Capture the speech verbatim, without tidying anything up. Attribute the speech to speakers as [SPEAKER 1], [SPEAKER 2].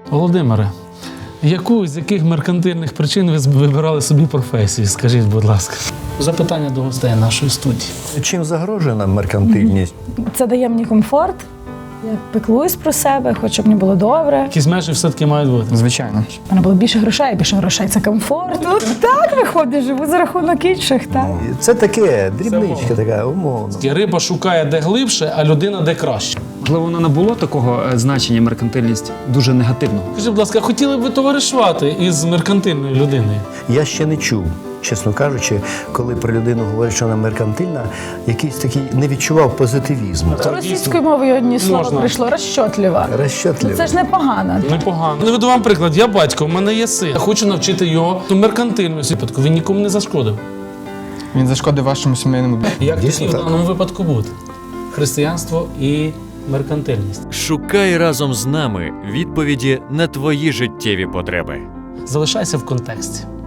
[SPEAKER 1] Володимире, яку з яких меркантильних причин ви вибирали собі професію? Скажіть, будь ласка. Запитання до гостей нашої студії.
[SPEAKER 2] Чим загрожує нам меркантильність?
[SPEAKER 3] Це дає мені комфорт. Я піклуюсь про себе, хочу, щоб мені було добре.
[SPEAKER 1] Якісь межі все-таки мають бути.
[SPEAKER 4] Звичайно.
[SPEAKER 3] У мене було більше грошей, більше грошей це комфорт. Ну, так виходить, живу за рахунок інших, так.
[SPEAKER 2] Це таке, дрібничка така, умовно.
[SPEAKER 1] Риба шукає де глибше, а людина де краще.
[SPEAKER 4] Можливо, воно не було такого е, значення меркантильність дуже негативного.
[SPEAKER 1] Скажіть, будь ласка, хотіли б ви товаришувати із меркантильною людиною?
[SPEAKER 2] Я ще не чув, чесно кажучи, коли про людину говорять, що вона меркантильна, якийсь такий не відчував позитивізму.
[SPEAKER 3] Російською мовою одні слова
[SPEAKER 1] Можна.
[SPEAKER 3] прийшло розчотлива.
[SPEAKER 2] Розчотливо.
[SPEAKER 3] Це ж непогано.
[SPEAKER 1] Непогано. Наведу вам приклад. Я батько, в мене є син. Я хочу навчити його меркантильності. Випадку він нікому не зашкодив.
[SPEAKER 4] Він зашкодив вашому сімейному бізнесу.
[SPEAKER 1] Як
[SPEAKER 2] Дійсно
[SPEAKER 1] тоді в
[SPEAKER 2] так.
[SPEAKER 1] даному випадку бути? Християнство і меркантильність.
[SPEAKER 5] Шукай разом з нами відповіді на твої життєві потреби.
[SPEAKER 1] Залишайся в контексті.